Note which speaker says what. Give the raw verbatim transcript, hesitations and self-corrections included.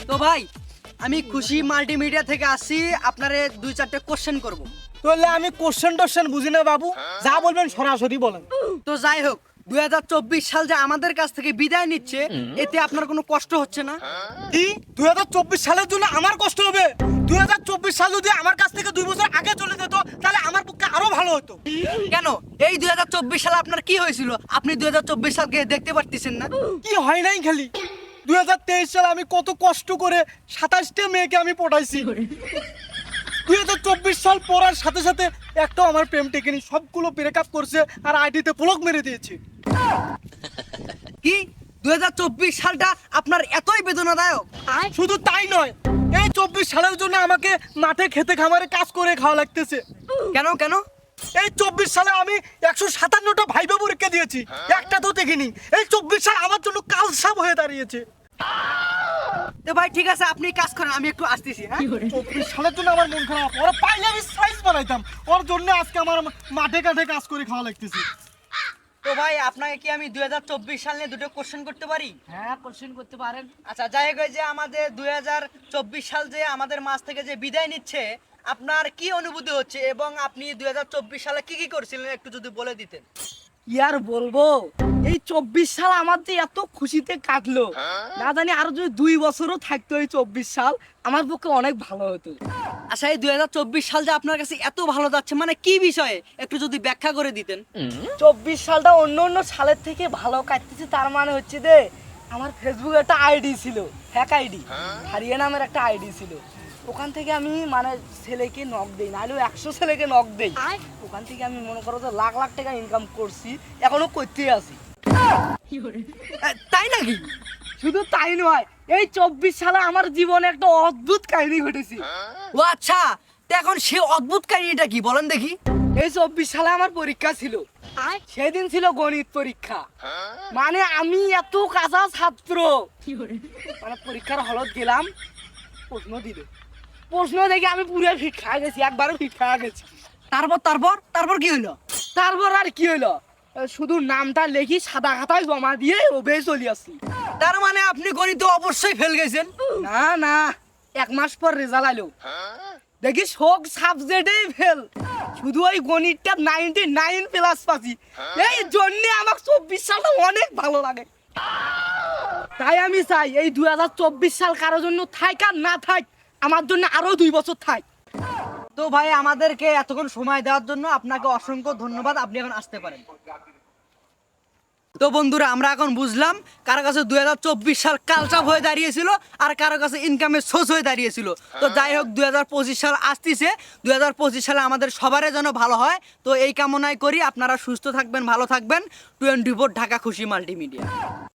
Speaker 1: তো ভাই আমি খুশি মাল্টিমিডিয়া থেকে আসি, আপনারে দুই চারটে কোশ্চেন করব।
Speaker 2: তাহলে আমি কোশ্চেন টোশ্চেন বুঝি না বাবু, যা বলবেন সরাসরি বলেন।
Speaker 1: তো যাই হোক, দুই হাজার চব্বিশ সাল যে আমাদের কাছ থেকে বিদায় নিচ্ছে, এতে আপনার কোনো কষ্ট হচ্ছে না?
Speaker 2: কি দুই হাজার চব্বিশ সালের জন্য আমার কষ্ট হবে? দুই হাজার চব্বিশ সাল যদি আমার কাছ থেকে দুই বছর আগে চলে যেত তাহলে আমার পক্ষে আরো ভালো হতো।
Speaker 1: কেন, এই দুই হাজার চব্বিশ সালে আপনার কি হয়েছিল? আপনি দুই হাজার চব্বিশ সালকে দেখতে পারতেছেন না?
Speaker 2: কি হয় নাই খালি দুই হাজার তেইশ সালে আমি কত কষ্ট করে সাতাশটা মেয়েকে আমি পটাইছি। দুই হাজার চব্বিশ সাল পড়ার সাথে সাথে একটাও আমার প্রেম টেকেনি, সবগুলো ব্রেকআপ করছে আর আইডিতে ব্লক মেরে দিয়েছে।
Speaker 1: কি দুই হাজার চব্বিশ সালটা আপনার এতই বেদনাদায়ক?
Speaker 2: শুধু তাই নয়, এই চব্বিশ সালের জন্য আমাকে মাঠে খেতে খামারে কাজ করে খাওয়া লাগতেছে।
Speaker 1: কেন কেন?
Speaker 2: এই চব্বিশ সালে আমি একশো সাতান্নটা ভাইবা পরীক্ষা দিয়েছি, একটা তো দেখিনি। এই চব্বিশ সাল আমার জন্য কালসাপ হয়ে দাঁড়িয়েছে।
Speaker 1: তো ভাই ঠিক আছে, আপনি কাজ করেন, আমি একটু আসতেছি। হ্যাঁ,
Speaker 2: চব্বিশ সালের জন্য আমার মন খারাপ, ওরা পাইলে আমি সাইজ বানাইতাম, ওর জন্য আজকে আমার মাঠে কাঠে কাজ করে খাওয়া লাগতেছে।
Speaker 1: তো ভাই আপনাকে কি আমি দুই হাজার চব্বিশ সাল নিয়ে দুটো কোশ্চেন করতে পারি?
Speaker 3: হ্যাঁ, কোশ্চেন করতে পারেন।
Speaker 1: আচ্ছা, যাই হোক, এই যে আমাদের দুই হাজার চব্বিশ সাল যে আমাদের মাঝ থেকে যে বিদায় নিচ্ছে, আপনার কি অনুভূতি হচ্ছে এবং আপনি দুই হাজার চব্বিশ সালে কি কি করছিলেন একটু যদি বলে দিতেন।
Speaker 3: কি আর বলবো, এই চব্বিশ সাল আমার যে এত খুশিতে কাটলো, না জানি আরো যদি দুই বছরও থাকতো এই চব্বিশ সাল, আমার পক্ষে অনেক ভালো হতো।
Speaker 1: আচ্ছা, এই দুই হাজার চব্বিশ সাল যে আপনার কাছে এত ভালো যাচ্ছে, মানে কি বিষয়ে একটু যদি ব্যাখ্যা করে দিতেন।
Speaker 3: চব্বিশ সালটা অন্য অন্য সালের থেকে ভালো কাটতেছে, তার মানে হচ্ছে যে আমার ফেসবুকে একটা আইডি ছিল, হ্যাক আইডি, হারিয়া নামের একটা আইডি ছিল। ওখান থেকে আমি মানে ছেলেকে নক দেই, নাহলেও একশো ছেলেকে নক দেই। ওখান থেকে আমি মনে করো যে লাখ লাখ টাকা ইনকাম করছি, এখনো করতেই আছি।
Speaker 1: এ, তাই নাকি?
Speaker 3: শুধু তাই নয়, এই চব্বিশ সালে আমার জীবনে একটা অদ্ভুত কাহিনী ঘটেছে।
Speaker 1: ও আচ্ছা, তো এখন সে অদ্ভুত কাহিনীটা কি বলেন দেখি।
Speaker 3: এই চব্বিশ সালে আমার পরীক্ষা ছিল, সেদিন ছিল গণিত পরীক্ষা। মানে আমি এত কাঁচা ছাত্র, মানে পরীক্ষার হলত গেলাম, প্রশ্ন দিল, প্রশ্ন দেখে আমি পুরো ফিট খাওয়া গেছি, একবারও ফিট খাওয়া গেছি।
Speaker 1: তারপর তারপর তারপর কি হলো?
Speaker 3: তারপর আর কি হলো, শুধু নামটা লেখি সাদা খাতায় জমা দিয়ে ওবে চলে আসছি।
Speaker 1: তার মানে আপনি গণিতে অবশ্যই ফেল গেছেন।
Speaker 3: না না, এক মাস পর রেজাল্ট আলো, দেখি সব সাবজেক্টেই ফেল, শুধু ওই গণিতটা নাইনটি নাইন প্লাস পাচ্ছি। এই জন্য আমার চব্বিশ সালটা অনেক ভালো লাগে। তাই আমি চাই এই দুই হাজার চব্বিশ সাল কারোর জন্য থাক আর না থাক, আমার জন্য আরো দুই বছর থাক।
Speaker 1: তো ভাই আমাদেরকে এতক্ষণ সময় দেওয়ার জন্য আপনাকে অসংখ্য ধন্যবাদ, আপনি এখন আসতে পারেন। তো বন্ধুরা, আমরা এখন বুঝলাম কারো কাছে দুই হাজার চব্বিশ সাল কালচাপ হয়ে দাঁড়িয়েছিল আর কারো কাছে ইনকামের সোর্স হয়ে দাঁড়িয়েছিল। তো যাই হোক, দুই হাজার পঁচিশ সাল আসতেছে, দুই হাজার পঁচিশ সালে আমাদের সবারই যেন ভালো হয়। তো এই কামনাই করি, আপনারা সুস্থ থাকবেন, ভালো থাকবেন। টোয়েন্টি ফোর ঢাকা খুশি মাল্টিমিডিয়া।